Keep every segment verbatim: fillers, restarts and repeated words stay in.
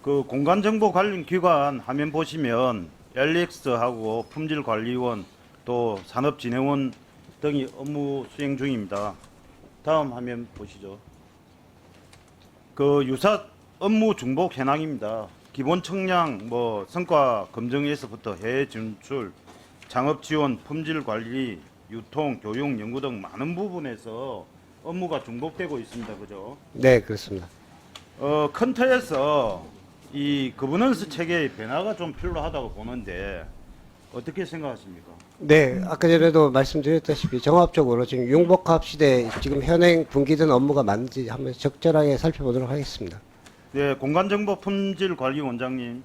그 공간정보 관련 기관 화면 보시면 엘이엑스하고 품질관리원 또 산업진흥원 등이 업무 수행 중입니다. 다음 화면 보시죠. 그 유사 업무 중복 현황입니다. 기본 청량, 뭐 성과 검증에서부터 해외 진출, 창업 지원, 품질 관리, 유통, 교육, 연구 등 많은 부분에서 업무가 중복되고 있습니다. 그죠? 네, 그렇습니다. 어, 큰 틀에서 이 거버넌스 체계의 변화가 좀 필요하다고 보는데 어떻게 생각하십니까? 네, 아까 전에도 말씀드렸다시피 종합적으로 지금 융복합 시대에 지금 현행 분기된 업무가 맞는지 한번 적절하게 살펴보도록 하겠습니다. 네, 공간정보 품질관리원장님,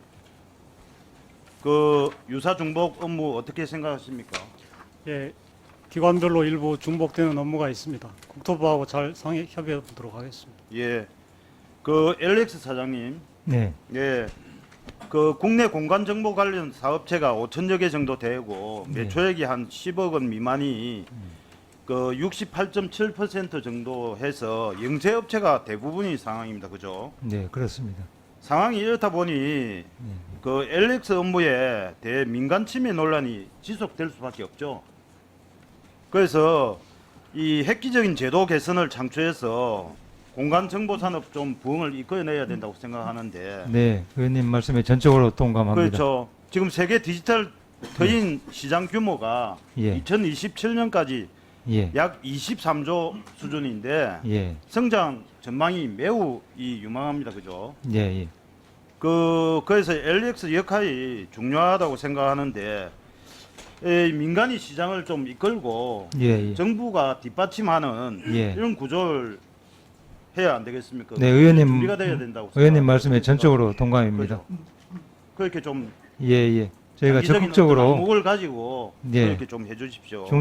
그 유사 중복 업무 어떻게 생각하십니까? 예, 기관별로 일부 중복되는 업무가 있습니다. 국토부하고 잘 상의 협의해 보도록 하겠습니다. 예, 그 엘엑스 사장님, 네, 예, 그 국내 공간정보 관련 사업체가 오천여 개 정도 되고 네. 매출액이 한 십억 원 미만이 그 육십팔 점 칠 퍼센트 정도 해서 영세업체가 대부분인 상황입니다. 그죠? 네, 그렇습니다. 상황이 이렇다 보니 그 엘엑스 업무에 대해 민간 침해 논란이 지속될 수밖에 없죠. 그래서 이 획기적인 제도 개선을 창출해서 공간 정보 산업 좀 부흥을 이끌어내야 된다고 생각하는데 네, 의원님 말씀에 전적으로 동감합니다. 그렇죠. 지금 세계 디지털 터인 시장 규모가 예. 이천이십칠 년까지 예, 약 이십삼조 수준인데 예, 성장 전망이 매우 이 유망합니다. 그죠? 예, 예. 그 그래서 엘이엑스 역할이 중요하다고 생각하는데 에, 민간이 시장을 좀 이끌고 예, 예. 정부가 뒷받침하는 예. 이런 구조를 해야 안 되겠습니까? 네, 의원님, 준비가 돼야 된다고 의원님 생각합니다. 말씀에 전적으로 동감입니다. 그죠? 그렇게 좀 예, 예. 저희가 장기적인 적극적으로 어떤 안목을 가지고 예. 그렇게 좀 해주십시오.